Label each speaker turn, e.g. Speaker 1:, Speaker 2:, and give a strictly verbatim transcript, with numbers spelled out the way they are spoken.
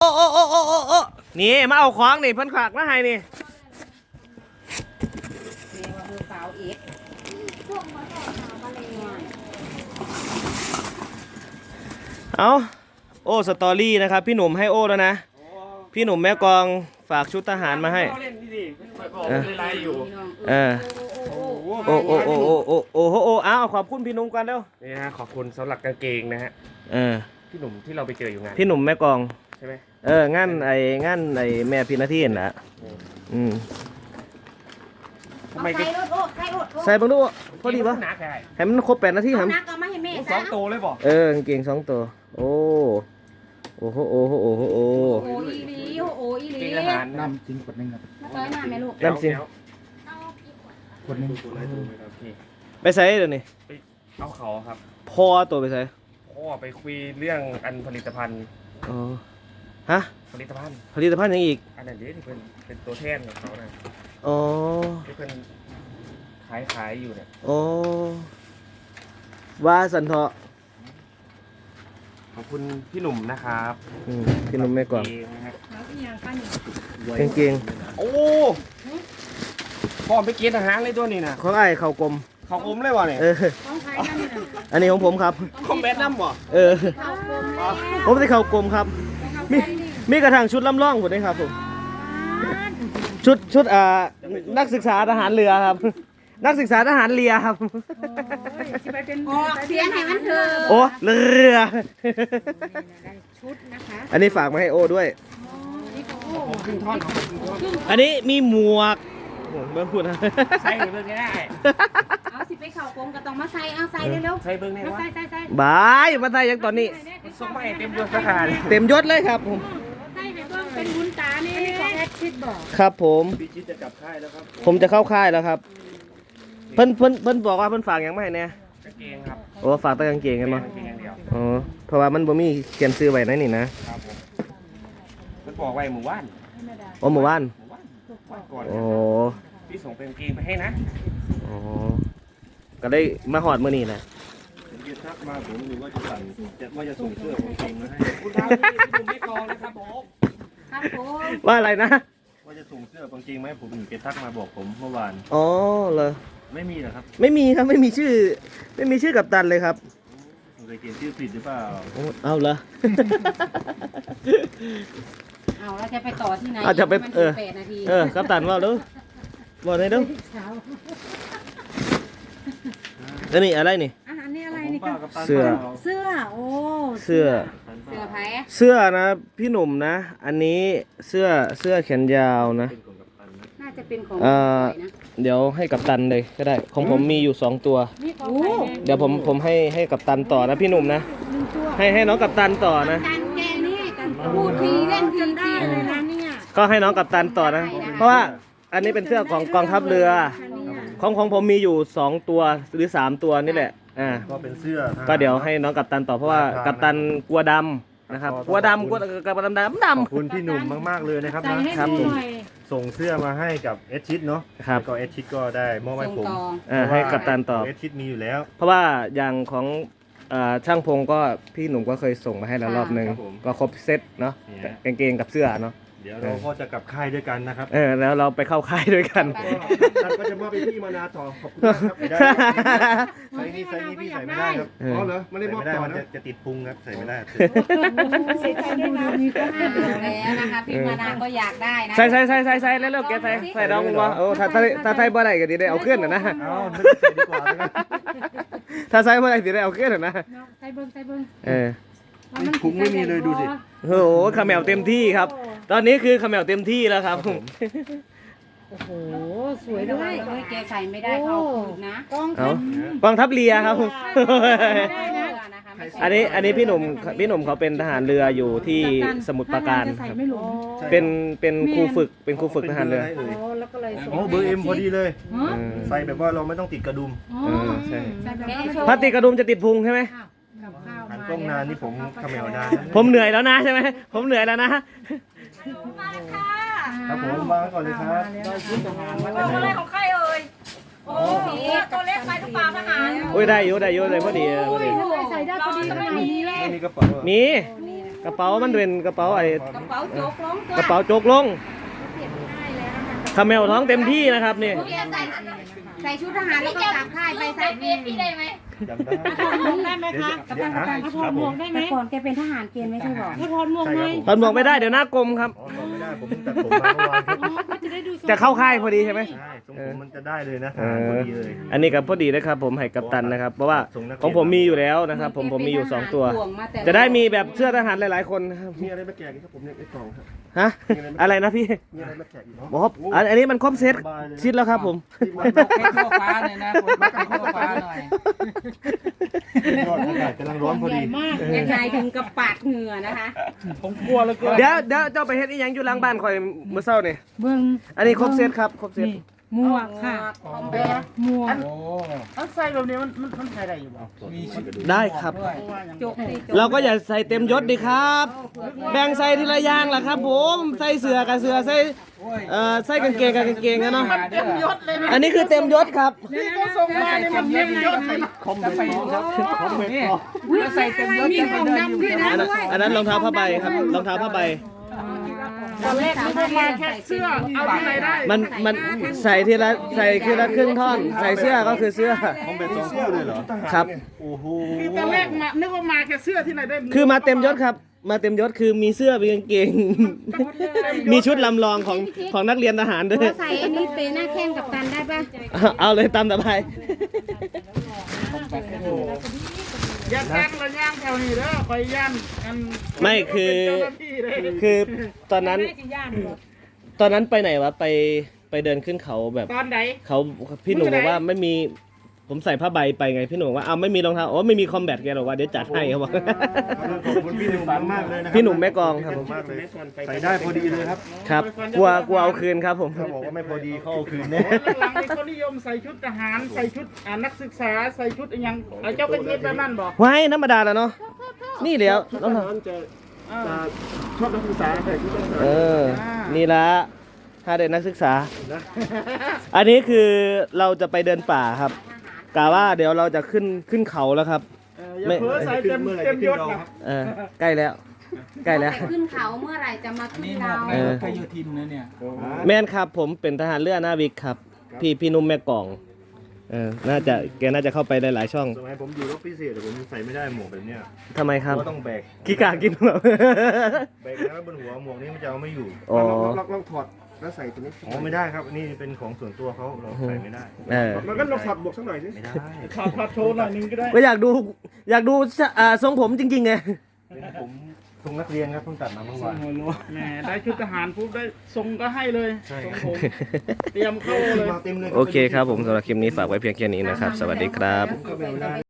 Speaker 1: โอ้โอ้โอ้โอ้โอ้นี่มาเอาของนี่เพิ่นฝากมาให้นี่
Speaker 2: นี่ว่าคือสาวเอ็ก
Speaker 1: เอาโอ้สตอรี่นะครับพี่หนุ่มให้โอ้แล้วนะพี่หนุ่มแม่กองฝากชุดทหารมาให้เออเออโอ้โอ้โอ้โอ้โอ้โอ้โอ้โอ้อ้าวขอบคุณพี่หนุ่มกันเร็ว
Speaker 3: นี่นะขอบคุณสำหรับกางเกงนะฮะ
Speaker 1: เออ
Speaker 3: พี่หนุ่มที่เราไปเจออยู่งาน
Speaker 1: พี่หนุ่มแม่กอง
Speaker 3: ใช่ไหม
Speaker 1: เอองานไอ้งานไอ้แม่พี่นาทีน่ะอืม
Speaker 2: ทำไมใส่รถโอ้ใส่รถ
Speaker 1: ใส่บังดูพอดีปะให้มันครบแปดนาทีครับ
Speaker 2: นักก็ไม่ให้แม่
Speaker 3: สองโตเลยบอก
Speaker 1: เออกางเกงสองตัวโอ้โอ้โหโอ้โหโอ้โหโอ้
Speaker 2: โอ้อีลีโอ้อีลี
Speaker 3: ทหาร
Speaker 4: น้ำจริงกดหนึ่งครับ
Speaker 2: มาต่อยหน้าแม่ลูก
Speaker 1: น้ำจริง
Speaker 4: กดหนึ่ง
Speaker 1: ไปใส่เดี๋ยวนี้
Speaker 3: ไปเอาเขาครับ
Speaker 1: พ่อตัวไปใส่
Speaker 3: พ่อไปคุยเรื่องอันผลิตภัณฑ์
Speaker 1: อ๋อฮะ
Speaker 3: ผลิตภัณฑ์
Speaker 1: ผลิตภัณฑ์ยังอีก
Speaker 3: อันนั้นเดี๋ยวที่เป็นเป็นตัวแทนของเขานะ
Speaker 1: อ๋อ
Speaker 3: ที่เป็นขายขายอยู่เนี่ย
Speaker 1: อ๋อว่าสันเถาะ
Speaker 3: ขอบคุณพี่หนุ่มนะครับ
Speaker 1: พี่หนุ่มไม่ก่อนเก่ง
Speaker 3: ๆโอ้พ่อไปเกณฑ์ทหารเลยตัวนี้นะ
Speaker 1: ของไอ้เข่ากลม
Speaker 3: เขาอมเลยวะเนี่ย
Speaker 1: อันนี้ของผมครับ
Speaker 3: คอมแบทน้ำวะ
Speaker 1: เออผมได้เข่ากลมครับมีมีกระถางชุดลำล่องผมได้ครับผมชุดชุดอ่านักศึกษาทหารเรือครับนักศึกษาทหารเรือครับ
Speaker 2: ออกเสียงให้มันเถอะ
Speaker 1: โอ้เรือ
Speaker 2: ชุดนะคะ
Speaker 1: อันนี้ฝากมาให้โอ้ด้วย
Speaker 3: ขึ้นท่อน
Speaker 1: อันนี้มีหมวกเบิ้งพูดนะ
Speaker 3: ใส่เบิ้งได้
Speaker 2: เอาสิไปเข่ากลมก็ต้องมาใส่เอาใส่เร็ว
Speaker 3: ๆใส่เบิ้งได้วะ
Speaker 2: ใส่ใส่ใส่
Speaker 1: บายมาใส่ยังตอนนี้
Speaker 3: ส่งมาให้เต็มยศทหาร
Speaker 1: เต็มยศเลยครับผม
Speaker 2: ใส่ให้เบิ้งเป็นบุญตานี่ของแอดชิดบอก
Speaker 1: ครับผม
Speaker 3: พี่ชิดจะกลับค่ายแล้วครับ
Speaker 1: ผมจะเข้าค่ายแล้วครับเพิ่นเพิ่นเพิ่นบอกว่าเพิ่นฝากยังไม่ให้แน่
Speaker 3: กางเกงครับ
Speaker 1: โอ้ฝากแต่กางเกงกันมั้ง
Speaker 3: กางเกงอย่างเดียว
Speaker 1: อ๋อเพราะว่ามันบ่มีเขียนซื้อไว้ในนี่นะครับ
Speaker 3: ผมมันบอกไว้หมู่บ้าน
Speaker 1: โอ้หมู่บ้าน
Speaker 3: ก่อน
Speaker 1: โอ้
Speaker 3: พี่ส่งเป็นกางเกงไปให้นะ
Speaker 1: อ๋อก็ได้มาหอดมื้อนี้แหละ
Speaker 3: เดี๋ยวทักมาผมหรือว่าจะสั่งจะว่าจะส่งเสื้อกางเกงมาให้คุณทำที่คุณไม่กองนะครับผม
Speaker 2: ครับผม
Speaker 1: ว่าอะไรนะ
Speaker 3: ว่าจะส่งเสื้อกางเกงไหมผมถึงจะทักมาบอกผมเมื่อวาน
Speaker 1: อ๋อเหรอ
Speaker 3: ไม่มีเหรอครับ
Speaker 1: ไม่มีครับไม่มีชื่อไม่มีชื่อกัปตันเลยครับ
Speaker 3: เคยเขียนชื่อผิดหรือเปล่า
Speaker 1: เอาเหรอ
Speaker 2: เอาแล้วจะไปต่อที่ไหน
Speaker 1: อาจจะไปเออเออกัปตันว่าดูบอกได้ดูแล้วนี่อะไรนี่
Speaker 2: อันนี้อะไรนี่
Speaker 1: เสื้อ
Speaker 2: เสื้อโอ้
Speaker 1: เสื้อ
Speaker 2: เสื้อไผ่
Speaker 1: เสื้อนะพี่หนุ่มนะอันนี้เสื้อเสื้อแขนยาวนะ
Speaker 2: น่าจะเป็นของ
Speaker 1: เดี๋ยวให้กัปตันเลยก็ได้ของผมมีอยู่สองตัวเดี๋ยวผมผมให้ให้กัปตันต่อนะพี่หนุ่มนะให้ให้น้องกัปตันต่อนะ
Speaker 2: แกนี่พูดทีเล่นทีได้เลยนะเนี่ย
Speaker 1: ก็ให้น้องกัปตันต่อนะเพราะว่าอันนี้เป็นเสื้อของกองทัพเรือของของผมมีอยู่สองตัวหรือสามตัวนี่แหละอ่า
Speaker 3: ก็เป็นเสื้อ
Speaker 1: ก็เดี๋ยวให้น้องกัปตันต่อเพราะว่ากัปตันกลัวดำนะครับกลัวดำกลัวกัปตันดำดำ
Speaker 3: ขอบคุณพี่หนุ่มมากๆเลยนะครับ
Speaker 1: นะครับ
Speaker 3: ส่งเสื้อมาให้กับเอชชิดเนาะ
Speaker 1: ครับ
Speaker 3: ก็เอชชิดก็ได้มอบให้ผม
Speaker 1: ให้กัปตันต่อ
Speaker 3: เอชชิดมีอยู่แล้ว
Speaker 1: เพราะว่าอย่างของช่างพงก็พี่หนุ่มก็เคยส่งมาให้แล้วรอบนึงก็ครบเซตเนาะกางเกงกับเสื้อเนาะ
Speaker 3: เดี๋ยวเราก็จะกลับค่ายด้วยกันนะครับ
Speaker 1: เออแล้วเราไปเข้าค่ายด้วยกัน
Speaker 3: ท่านก็จะมอบไปที่มานาต่อขอบคุณครับใส่นี่ใส่นี่พี่ใส่ไม่ได้ครับอ๋อเหรอไม่ได้มอบต่อนะจะติดพุงครับใส่ไม่ได้
Speaker 2: เสียใจด้วยนะมีก็แล้วนะคะพี่มานาก็อยากได้นะ
Speaker 1: ใส่ใส่ใส่ใส่ใส่แล้วเลิกแกใส่ใส่ดองวะโอ้ถ้าถ้าถ้าไทยบ่ได้ก็ดีได้เอาเคลื่อนนะ
Speaker 3: เอาใส่ดีกว่า
Speaker 1: ถ้าใส่บ่ได้ดีได้เอาเคลื่อนนะ
Speaker 2: ใส่เบิ้งใส่เบิ้ง
Speaker 1: เออ
Speaker 3: พุงไม่มีเลยดูสิ
Speaker 1: โอ้โหขมแมวเต็มที่ครับตอนนี้คือขมแมวเต็มที่แล้วครับ
Speaker 2: โอ้โหสวยด้วยเฮ้ยแกใส่ไม่ได้เขานะกองทัพ
Speaker 1: กองทัพเรือครับอันนี้อันนี้พี่หนุ่มพี่หนุ่มเขาเป็นทหารเรืออยู่ที่สมุทรปราการครับเป็นเป็นครูฝึกเป็นครูฝึกทหารเรือ
Speaker 3: โอ้เบอร์เอ็มพอดีเลยใส่แบบว่าเราไม่ต้องติดกระดุม
Speaker 1: ใช่ถ้าติดกระดุมจะติดพุงใช่ไหม
Speaker 3: หันกล้องนานนี่ผมขมแมวได้
Speaker 1: ผมเหนื่อยแล้วนะใช่ไหมผมเหนื่อยแล้วนะ
Speaker 3: ครับผมมาก่อนเลยครับ
Speaker 2: อะไรของใครเอ่ยโอ้ตัวเล็กไปหรือเปล่าทหาร
Speaker 1: โอ้ยได้อยู่ได้อยู่เลยพอดี
Speaker 2: ใส่ได้พอดีขนาดนี้เลย
Speaker 3: มีกระเป๋า
Speaker 1: มีกระเป๋ามันเป็นกระเป๋าไอ้
Speaker 2: กระเป๋าโจกลงตัว
Speaker 1: กระเป๋าโจกลง
Speaker 2: เปลี่ยนง่ายแล้วนะคะ
Speaker 1: คาเมลท้องเต็มที่นะครับนี่
Speaker 2: ใส่ใส่ชุดทหารแล้วก็กลับค่ายไปใส่เฟซพี่ได้ไหม
Speaker 3: จำได้
Speaker 5: ถอดหมวกได้ไหมคะ
Speaker 3: เดี๋ยวเดี๋ยว
Speaker 5: ถอดหมวกได้ไหม
Speaker 2: แต่ก่อนแกเป็นทหารเกณฑ์ไม่ใช่หรอ
Speaker 5: ก็ถอดหมวกไหม
Speaker 1: ตอนบอกไม่ได้เดี๋ยวหน้ากลมครับ
Speaker 3: อ๋อไม่ได้ผมตัดผมมาเมื่อวานครับ
Speaker 5: อ๋อก็จะได้ดูทรง
Speaker 1: จะเข้าค่ายพอดีใช่ไหม
Speaker 3: ใช่ทรงผมมันจะได้เลยนะ
Speaker 1: เอ
Speaker 3: ทหารพอ
Speaker 1: อ
Speaker 3: ดีเลย
Speaker 1: อันนี้กับพอดีนะครับผมให้กัปตันนะครับ เพราะว่าของผมมีอยู่แล้วนะครับผมผมมีอยู่สองตัว จะได้มีแบบเสื้อทหารหลายๆคนนะครับ
Speaker 3: มีอะไรมาแจกอีกครับผมเนี่ยไอ้กล่องครับ
Speaker 1: ฮะอะไรนะพี่
Speaker 3: มีอะไรมาแจกอีกเนาะ
Speaker 1: บอกอันอันนี้มันครบเซตชิดแล้วครับผม
Speaker 6: ให้ทั่วฟ้าเลยนะคนให้ทั่วฟ้าหน่อย
Speaker 3: ยอดอากาศกำลังร้อนพอดี
Speaker 5: มาก
Speaker 2: ยังไงถึงกับปาดเหงื่อนะคะ
Speaker 6: ผมกลัวเหลยเกิน
Speaker 1: เดี๋ยวเดี๋ยวเจ้าไปเฮ็ดอีหยังอยู่หลังบ้านคอยเมื่อเช้านี่
Speaker 5: เบิ่ง
Speaker 1: อันนี้ครบเซตครับครบเซต
Speaker 5: นี่หมวกค่ะ
Speaker 2: คอมแบะ
Speaker 5: หมวก
Speaker 6: โอ้
Speaker 4: เอาใส่แบบนี้มันมันมันใส่ได้อยู่บ่
Speaker 6: มีชุด
Speaker 1: ได้ครับ
Speaker 6: ด้วย
Speaker 2: จกสิจก
Speaker 1: เราก็อย่าใส่เต็มยศดิครับ แบ่งใส่ทีละอย่างล่ะครับผมใส่เสื้อกับเสื้อใส่เอ่อใส่กางเกงกับกางเกงนะเนาะ
Speaker 6: เต็มยศเลยนะ
Speaker 1: อันนี้คือเต็มยศครับ
Speaker 5: นี่ก็ส่งมาเนี่ยมันเต็มยศเลย
Speaker 3: คอมเมนต์ครับคอมเมนต์
Speaker 6: นี่
Speaker 3: ต่อ
Speaker 6: ถ้าใส่เต็มยศ
Speaker 5: มี
Speaker 6: จะ
Speaker 5: ข
Speaker 6: ไป
Speaker 5: อง
Speaker 6: เดิน
Speaker 5: ดำ
Speaker 6: อยู่
Speaker 5: ด้วยนะ
Speaker 1: อันนั้นอันนั้นรองเท้าผ้าใบครับรองเท้าผ้าใบ
Speaker 2: ตอนแรกไม่ได้มาแค่เสื้อเอาที่ไหนได้
Speaker 1: มันมันใส่ทีละใส่ทีละครึ่งท่อน ใส่เสื้อก็คือเสื้อ
Speaker 3: คอมเมนต์สองคู่เลยเหรอ
Speaker 1: ครับ
Speaker 3: โอ้โห
Speaker 5: ตอนแรกมานึกว่ามาแค่เสื้อที่ไหนได้
Speaker 1: คือมาเต็มยศครับ มาเต็มยศคือมีเสื้อมีกางเกง มีชุดลำลองของของนักเรียนทหารด้วย
Speaker 2: ใส่อันนี้เตะหน้าแข้งกับตันได้ปะ
Speaker 1: เอาเลยตามสบาย
Speaker 5: อย่าแจ้งระย่างแถวนี้เด้อคอยย่านกัน
Speaker 1: ไม่คือ
Speaker 5: เจ้าหน้าที่เลย
Speaker 1: คือตอนนั้น ตอนนั้นไปไหนวะไปไปเดินขึ้นเขาแบบ
Speaker 5: ตอนไหน
Speaker 1: เขาพี่หนูบอกว่าไม่มีผมใส่ผ้าใบไปไงพี่หนูบอกว่าเอาไม่มีรองเท้าโอ้ไม่มีคอมแบทแกบอกว่าเดี๋ยวจัดให้เขาบอก
Speaker 3: ขอบคุณพี่หนุ่มมากเลยนะครั
Speaker 1: พี่หนุ่มแม่กลองครับผม
Speaker 3: มากเลยใส่ได้พอดีเลยครับ
Speaker 1: ครับกลัวกลัวเอาคืนครับผม
Speaker 3: เขาบอกว่าไม่พอดีเขาเอาคืนแน่
Speaker 5: หลังๆนี่เขานิยมใส่ชุดทหารใส่ชุดอ่านักศึกษาใส่ชุดอหยังเอาเจ้าเป็นเทพแบบนั้นบอก
Speaker 1: ไว้ธรรมดาแล้วเนาะนี่เดี๋ยวรองเท้า
Speaker 3: จะชอบนักศึกษาใส่ชุดนักศึกษา
Speaker 1: เออ นี่ละถ้าเด็กนักศึกษา อันนี้คือเราจะไปเดินป่าครับกะว่าเดี๋ยวเราจะขึ้นขึ้นเขาแล้วครับ
Speaker 5: เอออย่าเพ้อใส่เต็มเต็มยศนะ
Speaker 1: เออใกล้แล้ว ใกล้แล้ว
Speaker 2: แต่ขึ้นเขาเมื่อไหร่จะมา
Speaker 6: อัน
Speaker 2: ขึ้น
Speaker 6: นี้หม
Speaker 2: เรา
Speaker 6: วกในรถไฟโยธินนะเนี่ย
Speaker 1: แม่นครับผมเป็นทหารเรือหน้าวิกครับ พี่พี่นุ่มแม่กล่องเออน่าจะแกน่าจะเข้าไปได้หลายช่อง
Speaker 3: สมัยผมอยู่รบพิเศษแต่ผมใส่ไม่ได้หมวกแบบเนี้ย
Speaker 1: ทำไมครับ
Speaker 3: เพราะต้องแบก
Speaker 1: ขี้กากินแบบ
Speaker 3: แบกแล้วบนหัวหมวกนี้มันจะเอาไม่อยู่
Speaker 1: อ๋อ
Speaker 3: ลองลองถอดแล้วใส่ตัวนี้อ๋อไม่ได้ครับอันนี้เป็นของส่วนตัวเขาเราใส่ไม่ได้
Speaker 1: เออ
Speaker 3: มันก็ลองถอดบวกสักหน่อยสิไม่ได้
Speaker 5: ถอดถอดโชว์หน่อยหนึงก็ได้
Speaker 1: ก็อยากดูอยากดูอ่าทรงผมจริงๆไง
Speaker 3: เป็นผมทรงนักเรียนครับเพิ่งตัดมาเมื่อวาน
Speaker 5: แหมได้ชุดทหารปุ๊บได้ทรงก็ให้เลย
Speaker 3: ใช่
Speaker 5: ทรงผมเตรียมเข้าเลย
Speaker 3: มาเต็มเลย
Speaker 1: โอเคครับผมสำหรับคลิปนี้ฝากไว้เพียงแค่นี้นะครับ สวัสดีครับ
Speaker 3: ก็ไม่ได้